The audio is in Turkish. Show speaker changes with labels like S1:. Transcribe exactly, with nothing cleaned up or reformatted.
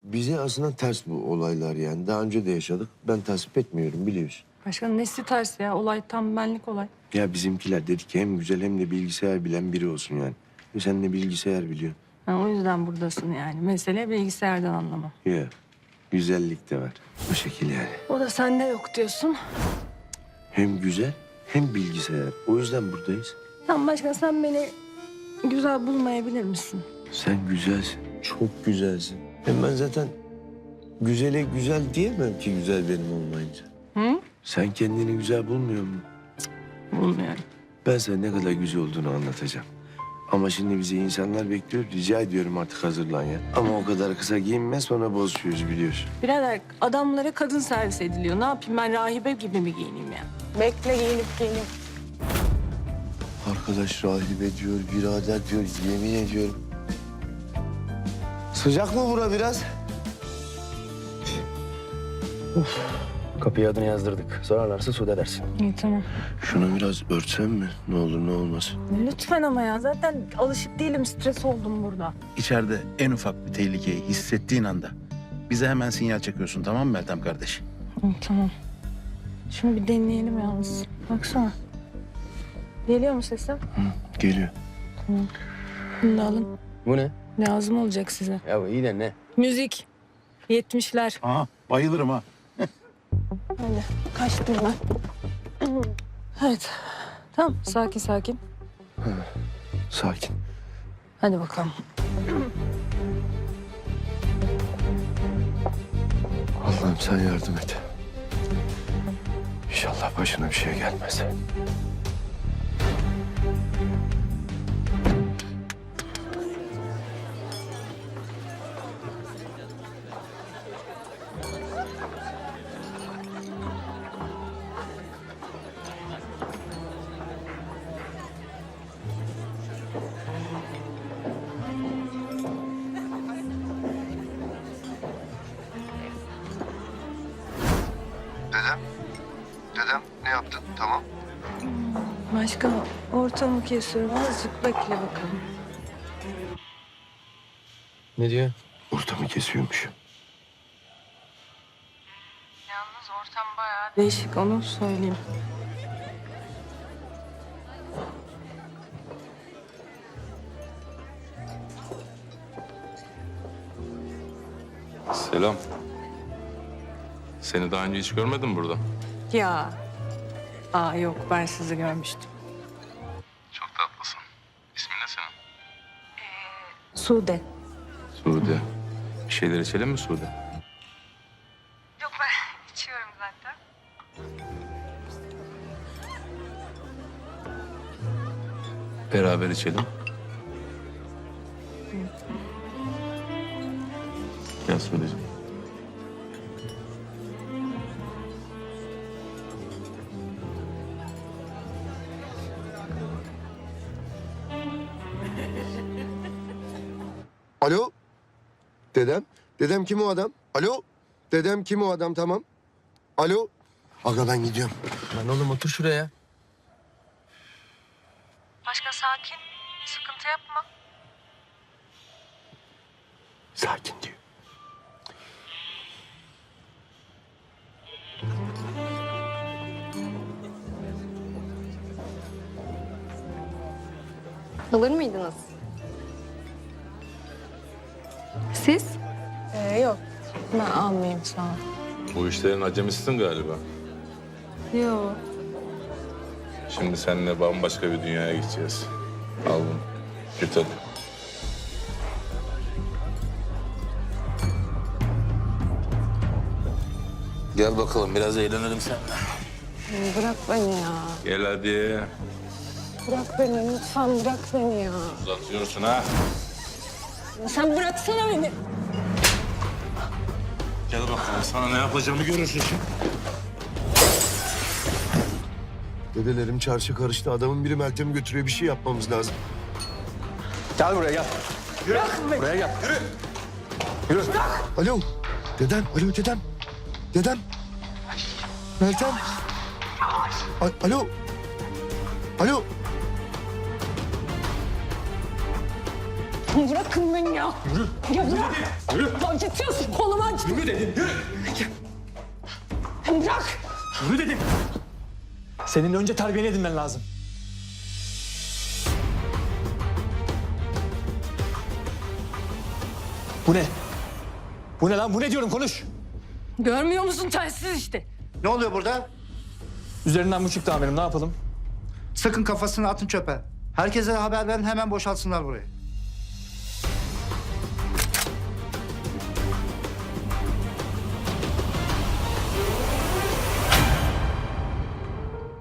S1: Bize aslında ters bu olaylar yani. Daha önce de yaşadık. Ben tasvip etmiyorum biliyorsun.
S2: Başkanım nesi ters ya? Olay tam benlik olay.
S1: Ya bizimkiler dedi ki hem güzel hem de bilgisayar bilen biri olsun yani. E sen de bilgisayar biliyorsun.
S2: Ha, o yüzden buradasın yani. Mesele bilgisayardan anlamam.
S1: Ya güzellik de var. Bu şekil yani.
S2: O da sende yok diyorsun.
S1: Hem güzel hem bilgisayar. O yüzden buradayız.
S2: Tamam başkan, sen beni güzel bulmayabilir misin?
S1: Sen güzelsin. Çok güzelsin. Hem ben zaten güzele güzel diyemem ki güzel benim olmayınca.
S2: Hı?
S1: Sen kendini güzel bulmuyor musun?
S2: Bulmuyorum.
S1: Ben sana ne kadar güzel olduğunu anlatacağım. Ama şimdi bizi insanlar bekliyor. Rica ediyorum artık hazırlan ya. Ama o kadar kısa giyinme, sonra bozuşuyoruz biliyorsun.
S2: Birader, adamlara kadın servis ediliyor. Ne yapayım, ben rahibe gibi mi giyineyim ya? Bekle, giyinip giyinip.
S1: Arkadaş rahibe diyor, birader diyor, yemin ediyorum. Sıcak mı bura biraz?
S3: Kapıya adını yazdırdık. Sorarlarsa Sude dersin.
S2: İyi tamam.
S1: Şunu biraz örtsem mi? Ne olur ne olmaz.
S2: Lütfen ama ya, zaten alışık değilim, stres oldum burada.
S4: İçeride en ufak bir tehlikeyi hissettiğin anda bize hemen sinyal çekiyorsun, tamam mı Meltem kardeş?
S2: İyi tamam. Şunu bir deneyelim yalnız. Baksana. Geliyor mu sesim?
S1: Hı, geliyor.
S2: Bunu da alın.
S3: Bu ne?
S2: Lazım olacak size.
S3: Ya iyi de ne?
S2: Müzik. Yetmişler.
S4: Aha, bayılırım ha.
S2: Öyle. Kaçtım ben. Evet. Tamam, sakin sakin.
S1: Sakin.
S2: Hadi bakalım.
S1: Allah'ım sen yardım et. İnşallah başına bir şey gelmez.
S5: Dedem, dedem ne yaptın? Tamam.
S2: Başka ortamı kesiyorum. Azıcık bekle bakalım.
S3: Ne diyor?
S1: Ortamı kesiyormuş.
S2: Yalnız ortam bayağı değişik, onu söyleyeyim.
S6: Selam. Seni daha önce hiç görmedim burada.
S2: Ya. Aa yok, ben sizi görmüştüm.
S6: Çok tatlısın. İsmin ne senin?
S2: Sude.
S6: Sude. Bir şeyler içelim mi Sude?
S2: Yok, ben içiyorum zaten.
S6: Beraber içelim. Gel Sude'ciğim.
S5: Alo? Dedem? Dedem kim o adam? Alo? Dedem kim o adam? Tamam. Alo?
S1: Aga ben gidiyorum.
S3: Lan oğlum otur şuraya.
S2: Başka sakin. Sıkıntı yapma.
S1: Sakin diyor.
S7: Alır mıydınız?
S2: Siz? Ee, yok. Ben almayayım, sağ ol.
S6: Bu işlerin acemisisin galiba.
S2: Yok.
S6: Şimdi seninle bambaşka bir dünyaya gideceğiz. Al bunu. Git hadi. Gel bakalım biraz eğlenelim seninle.
S2: Bırak beni ya.
S6: Gel hadi.
S2: Bırak beni, lütfen bırak beni ya.
S6: Uzatıyorsun ha.
S2: Sen bıraksana beni.
S6: Gel bakalım sana ne yapacağımı görürsün şimdi.
S1: Dedelerim çarşı karıştı. Adamın biri Meltem'i götürüyor. Bir şey yapmamız lazım.
S3: Gel buraya gel. Buraya gel.
S1: Alo. Dedem. Alo dedem. Dedem. Meltem. A- Alo. Alo.
S2: Bırakın beni ya. Yürü. Ya bırak. Yürü. Acıtıyorsun, kolumu acıt.
S7: Yürü dedim, yürü.
S2: Bırak.
S7: Yürü dedim. Senin önce terbiyeni edinmen lazım. Bu ne? Bu ne lan? Bu ne diyorum? Konuş.
S2: Görmüyor musun telsiz işte.
S8: Ne oluyor burada?
S7: Üzerinden bu çıktı amirim. Ne yapalım?
S8: Sakın kafasını atın çöpe. Herkese haber verin, hemen boşaltsınlar burayı.